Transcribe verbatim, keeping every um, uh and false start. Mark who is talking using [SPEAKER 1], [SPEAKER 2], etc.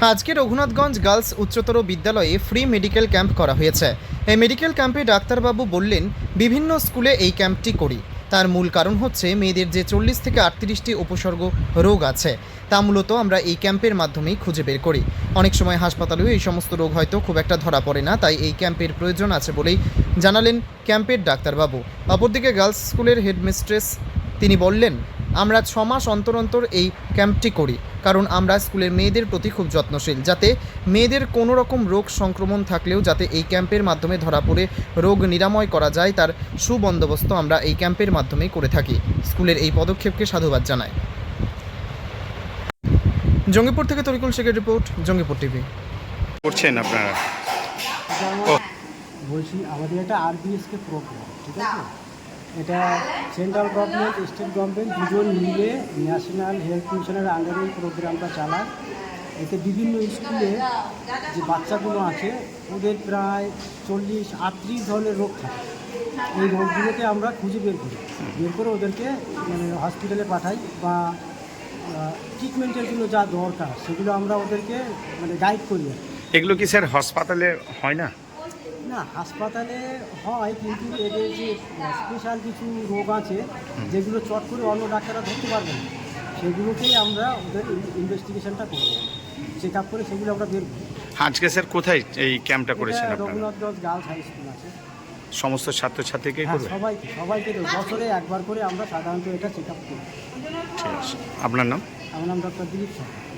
[SPEAKER 1] আজকে রঘুনাথগঞ্জ গার্লস উচ্চতর বিদ্যালয়ে ফ্রি মেডিকেল ক্যাম্প করা হয়েছে। এই মেডিকেল ক্যাম্পে ডাক্তারবাবু বললেন, বিভিন্ন স্কুলে এই ক্যাম্পটি করি, তার মূল কারণ হচ্ছে মেয়েদের যে চল্লিশ থেকে আটত্রিশটি উপসর্গ রোগ আছে তা মূলত আমরা এই ক্যাম্পের মাধ্যমেই খুঁজে বের করি। অনেক সময় হাসপাতালেও এই সমস্ত রোগ হয়তো খুব একটা ধরা পড়ে না, তাই এই ক্যাম্পের প্রয়োজন আছে বলেই জানালেন ক্যাম্পের ডাক্তারবাবু। অপরদিকে গার্লস স্কুলের হেডমিস্ট্রেস তিনি বললেন, আমরা ছ মাস অন্তর অন্তর এই ক্যাম্পটি করি, কারণ আমরা স্কুলের মেয়েদের প্রতি খুব যত্নশীল, যাতে মেয়েদের কোনো রকম রোগ সংক্রমণ থাকলেও যাতে এই ক্যাম্পের মাধ্যমে ধরা পড়ে রোগ নিরাময় করা যায়, তার সুবন্দোবস্ত আমরা এই ক্যাম্পের মাধ্যমেই করে থাকি। স্কুলের এই পদক্ষেপকে সাধুবাদ জানায়। জঙ্গিপুর থেকে তরিকুল শেখের রিপোর্ট, জঙ্গিপুর টিভি।
[SPEAKER 2] করছেন আপনারা?
[SPEAKER 3] বলছি আমাদের একটা আরবিএসকে প্রোগ্রাম, ঠিক আছে? এটা সেন্ট্রাল গভর্নমেন্ট, স্টেট গভর্নমেন্ট দুজন মিলে ন্যাশনাল হেলথ মিশনের আন্ডারে এই প্রোগ্রামটা চালায়। এতে বিভিন্ন স্কুলে যে বাচ্চাগুলো আছে ওদের প্রায় চল্লিশ আটত্রিশ ধরনের রোগ থাকে। এই রোগগুলোকে আমরা খুঁজে বের করি, বের করে ওদেরকে মানে হসপিটালে পাঠাই বা ট্রিটমেন্টের জন্য যা দরকার সেগুলো আমরা ওদেরকে মানে গাইড করি।
[SPEAKER 2] এগুলো কি স্যার হাসপাতালে হয় না?
[SPEAKER 3] না, হাসপাতালে হয়, কিন্তু এদের যে স্পেশাল কিছু রোগ আছে যেগুলো চট করে অন্য ডাক্তাররা ধরতে পারবে না, সেগুলোকেই আমরা ওদের ইনভেস্টিগেশনটা করব, চেক আপ করে সেগুলো আমরা বের করি।
[SPEAKER 2] আজকে স্যার কোথায় এই ক্যাম্পটা করেছেন
[SPEAKER 3] এটা
[SPEAKER 2] আপনারা?
[SPEAKER 3] রঘুনাথগঞ্জ গার্লস হাই স্কুল আছে।
[SPEAKER 2] সমস্ত ছাত্রছাত্রীকে
[SPEAKER 3] হ্যাঁ,
[SPEAKER 2] করবে?
[SPEAKER 3] সবাইকে সবাইকে দেবো। বছরে একবার করে আমরা সাধারণত এটা চেক আপ করি।
[SPEAKER 2] ঠিক আছে। আপনার নাম?
[SPEAKER 3] আমার নাম ডক্টর দিলীপ সরকার।